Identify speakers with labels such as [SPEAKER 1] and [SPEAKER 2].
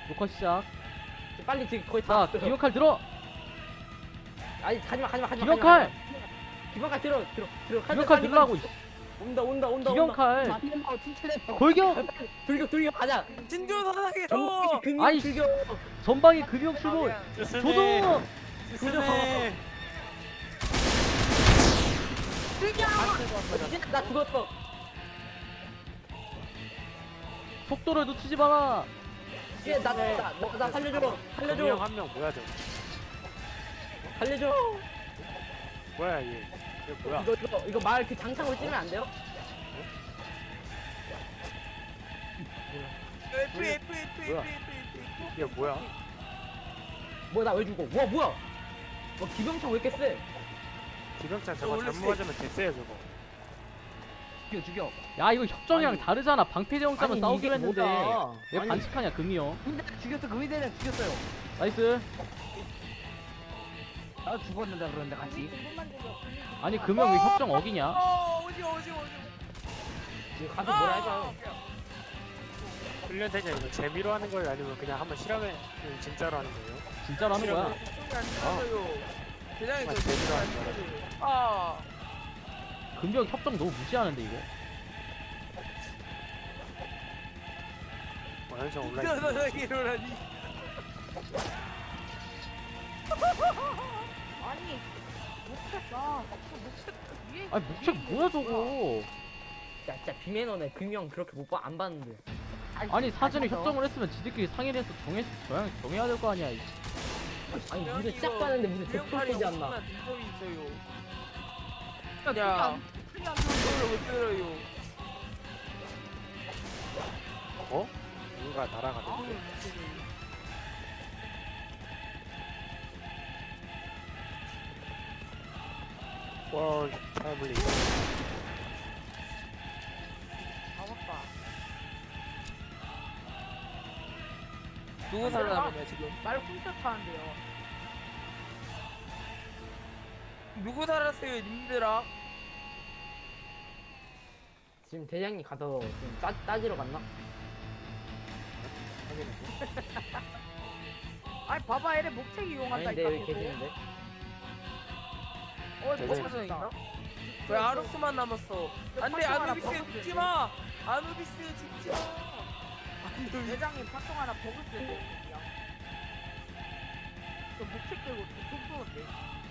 [SPEAKER 1] 녹화 시작.
[SPEAKER 2] 빨리 지금 거의 다
[SPEAKER 1] 자,
[SPEAKER 2] 왔어요.
[SPEAKER 1] 기억칼 들어.
[SPEAKER 2] 아니 가지마.
[SPEAKER 1] 기억칼.
[SPEAKER 2] 기억칼 들어.
[SPEAKER 1] 기억칼
[SPEAKER 2] 빨리,
[SPEAKER 1] 들라고.
[SPEAKER 2] 빨리. 온다.
[SPEAKER 1] 기억칼.
[SPEAKER 2] 아,
[SPEAKER 1] 골격.
[SPEAKER 2] 돌격 가자.
[SPEAKER 3] 진주 사상의
[SPEAKER 2] 전방에 금융
[SPEAKER 1] 아이,
[SPEAKER 2] 출격.
[SPEAKER 1] 전방에 금융 출몰. 조동.
[SPEAKER 3] 스네.
[SPEAKER 2] 나 죽었어.
[SPEAKER 1] 속도를 놓치지 마라.
[SPEAKER 2] 얘 나 살려줘.
[SPEAKER 3] 한명 뭐야 저?
[SPEAKER 2] 살려줘.
[SPEAKER 3] 뭐야 얘? 얘 뭐야?
[SPEAKER 2] 이거 말 그 장창으로 찌면 안 돼요?
[SPEAKER 3] 뭐야? 얘 뭐야?
[SPEAKER 2] 뭐야 나 왜 죽어? 뭐야? 기병창 왜 이렇게 세?
[SPEAKER 3] 기병장 저거 잘못 맞으면 됐어요 저거.
[SPEAKER 2] 죽여.
[SPEAKER 1] 야, 이거 협정이랑
[SPEAKER 2] 아니.
[SPEAKER 1] 다르잖아. 방패대왕자만
[SPEAKER 2] 아니,
[SPEAKER 1] 싸우기로
[SPEAKER 2] 이게
[SPEAKER 1] 했는데
[SPEAKER 2] 뭐야.
[SPEAKER 1] 왜
[SPEAKER 2] 아니.
[SPEAKER 1] 반칙하냐, 금이 형.
[SPEAKER 4] 근데 죽였어. 금이 대장 죽였어요.
[SPEAKER 1] 나이스.
[SPEAKER 4] 나 죽었는데 그러는데 같이.
[SPEAKER 1] 아니, 금이 형 왜 협정 어기냐?
[SPEAKER 3] 오지.
[SPEAKER 2] 이거 가서 뭐라 해줘.
[SPEAKER 3] 훈련대장 이거 재미로 하는 거예요 아니면 그냥 한번 실험해 진짜로 하는 거예요?
[SPEAKER 1] 진짜로 하는 거야.
[SPEAKER 3] 대장이 저 재미로 하는 거야.
[SPEAKER 1] 금이 형 협정 너무 무시하는데 이거.
[SPEAKER 3] 현장 온라인.
[SPEAKER 5] 일어나니. 아니 못했다. 위에
[SPEAKER 1] 아니, 목책 뭐야 저거.
[SPEAKER 2] 야 진짜 비매너네. 금형 그렇게 안 봤는데.
[SPEAKER 1] 아니, 사전에 협정을 했으면 지들끼리 상의를 해서 정해야 될 거 아니야. 이.
[SPEAKER 2] 아니 무슨 시작도 하는데 무슨 대표되지 않나.
[SPEAKER 5] 눈썹이 있어요.
[SPEAKER 3] 야.
[SPEAKER 5] 그냥
[SPEAKER 3] 이걸 못 들어요. 어? 누가 날아가는데? 와, 잘 물리.
[SPEAKER 5] 잡았다.
[SPEAKER 3] 누구 살아남았냐 지금?
[SPEAKER 5] 말 훔쳐 타는데요.
[SPEAKER 3] 누구 살았어요, 님들아?
[SPEAKER 2] 지금 대장님 가서 지금 따지러 갔나?
[SPEAKER 5] 아니 봐봐 얘네 목책 이용한다
[SPEAKER 2] 아닌데
[SPEAKER 5] 이까
[SPEAKER 2] 왜 계시는데?
[SPEAKER 3] 대장님
[SPEAKER 5] 있나?
[SPEAKER 3] 왜 아루스만 남았어? 안돼, 아누비스 죽지 마. 아누비스 죽지 마.
[SPEAKER 5] 대장님 파통 하나 버글 때문에 저 목책 들고 총 쏘는데